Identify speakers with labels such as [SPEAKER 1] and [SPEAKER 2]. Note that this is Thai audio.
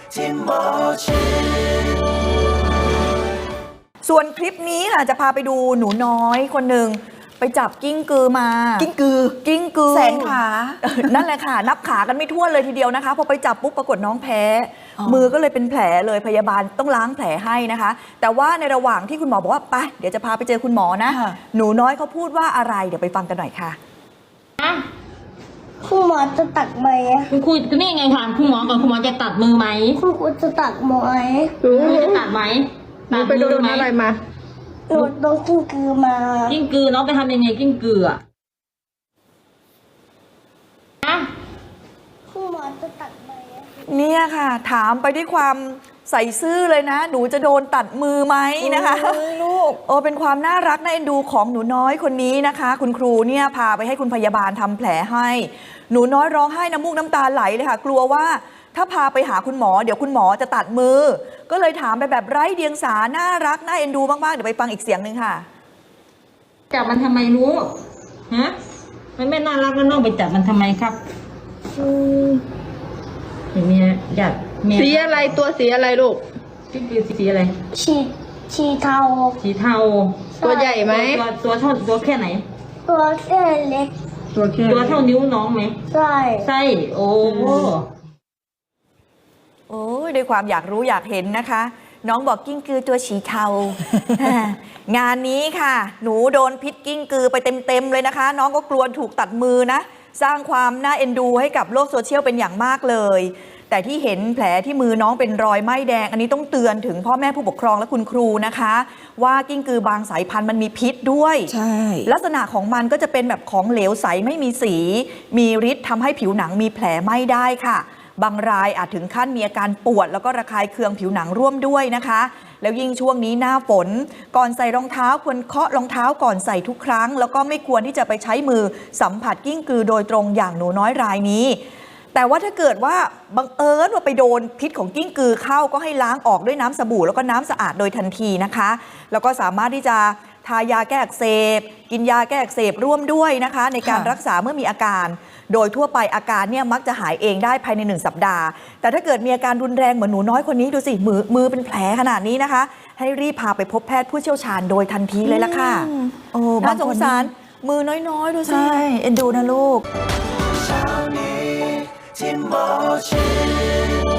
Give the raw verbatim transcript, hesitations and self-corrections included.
[SPEAKER 1] ส่วนคลิปนี้ค่ะจะพาไปดูหนูน้อยคนหนึ่งไปจับกิ้งกือมากิ้งกือกิ้งกือ
[SPEAKER 2] แสนขา
[SPEAKER 1] นั่นแหละค่ะนับขากันไม่ทั่วนเลยทีเดียวนะคะพอไปจับปุ๊บปรากฏน้องแพ้มือก็เลยเป็นแผลเลยพยาบาลต้องล้างแผลให้นะคะ แต่ว่าในระหว่างที่คุณหมอบอกว่าไปเดี๋ยวจะพาไปเจอคุณหมอนะหนูน้อยเขาพูดว่าอะไรเดี๋ยวไปฟังกันหน่อยค่ะ
[SPEAKER 3] คุณหมอจะตัดไหม
[SPEAKER 4] คุณครูก็นี่ไงถามคุณหมอก่อนคุณหมอจะตัดมือไหม
[SPEAKER 3] คุณครูจะตัดไหม
[SPEAKER 4] คุณครูจะตัดไหมตัด
[SPEAKER 2] ไปโด
[SPEAKER 4] มือน ไหม
[SPEAKER 2] อะไรมา
[SPEAKER 3] หนูโดนกิ้งกือมา
[SPEAKER 4] กิ้งกือน้องไปทำยังไงกิ้งกืออะอะ
[SPEAKER 3] คุณหมอจะตัดไหม
[SPEAKER 1] เนี่ยค่ะถามไปด้วยความใส่ซื่อเลยนะหนูจะโดนตัดมือไหมนะคะลูกโอ้เป็นความน่ารักน่าเอ็นดูของหนูน้อยคนนี้นะคะ คุณครูเนี่ยพาไปให้คุณพยาบาลทำแผลให้หนูน้อยร้องไห้น้ำมูกน้ำตาไหลเลยค่ะกลัวว่าถ้าพาไปหาคุณหมอเดี๋ยวคุณหมอจะตัดมือก็เลยถามไปแบบไร้เดียงสาน่ารักน่าเอ็นดูมากๆเดี๋ยวไปฟังอีกเสียงหนึ่งค่ะ
[SPEAKER 4] จับมันทำไมรู้ฮะมันไม่น่ารักแล้วน้องไปจับมันทำไมครับเห็นไหมฮะจับเมีย
[SPEAKER 2] สีอะไรตัวสีอะไรลูก
[SPEAKER 4] กิ้งกือสีอะไร
[SPEAKER 3] ชีชีเทา
[SPEAKER 4] สีเทา
[SPEAKER 2] ตัวใหญ่ไหม
[SPEAKER 4] ตัวตัวเท่าตัวแค่ไหน
[SPEAKER 3] ตัวแค่เล็ก
[SPEAKER 2] ตัวแค่
[SPEAKER 4] ตัวเท่านิ้วน้องไหม
[SPEAKER 3] ใช่
[SPEAKER 4] ไส้โอ้
[SPEAKER 1] โอ้ยด้วยความอยากรู้อยากเห็นนะคะ น้องบอกกิ้งกือตัวสีเทา งานนี้ค่ะ หนูโดนพิษกิ้งกือไปเต็มๆเลยนะคะ น้องก็กลัวถูกตัดมือนะ สร้างความน่าเอ็นดูให้กับโลกโซเชียลเป็นอย่างมากเลย แต่ที่เห็นแผลที่มือน้องเป็นรอยไหม้แดง อันนี้ต้องเตือนถึงพ่อแม่ผู้ปกครองและคุณครูนะคะ ว่ากิ้งกือบางสายพันธุ์มันมีพิษด้วย
[SPEAKER 2] ใช่
[SPEAKER 1] ลักษณะของมันก็จะเป็นแบบของเหลวใสไม่มีสี มีฤทธิ์ทำให้ผิวหนังมีแผลไหม้ได้ค่ะ บางรายอาจถึงขั้นมีอาการปวดแล้วก็ระคายเคืองผิวหนังร่วมด้วยนะคะ แล้วยิ่งช่วงนี้หน้าฝน ก่อนใส่รองเท้าควรเคาะรองเท้าก่อนใส่ทุกครั้ง แล้วก็ไม่ควรที่จะไปใช้มือสัมผัสกิ้งกือโดยตรงอย่างหนูน้อยรายนี้ แต่ว่าถ้าเกิดว่าบังเอิญว่าไปโดนพิษของกิ้งกือเข้าก็ให้ล้างออกด้วยน้ำสบู่แล้วก็น้ำสะอาดโดยทันทีนะคะ แล้วก็สามารถที่จะทายาแก้อักเสบกินยาแก้อักเสบร่วมด้วยนะคะ ในการรักษาเมื่อมีอาการ โดยทั่วไปอาการเนี่ยมักจะหายเองได้ภายในหนึ่งสัปดาห์แต่ถ้าเกิดมีอาการรุนแรงเหมือนหนูน้อยคนนี้ดูสิมือมือเป็นแผลขนาดนี้นะคะ ให้รีบพาไปพบแพทย์ผู้เชี่ยวชาญโดยทันทีเลยละค่ะโอ้น่าสงสารมือน้อยๆดูสิใช่เอ็นดูนะลูก
[SPEAKER 5] ที่หมอชิด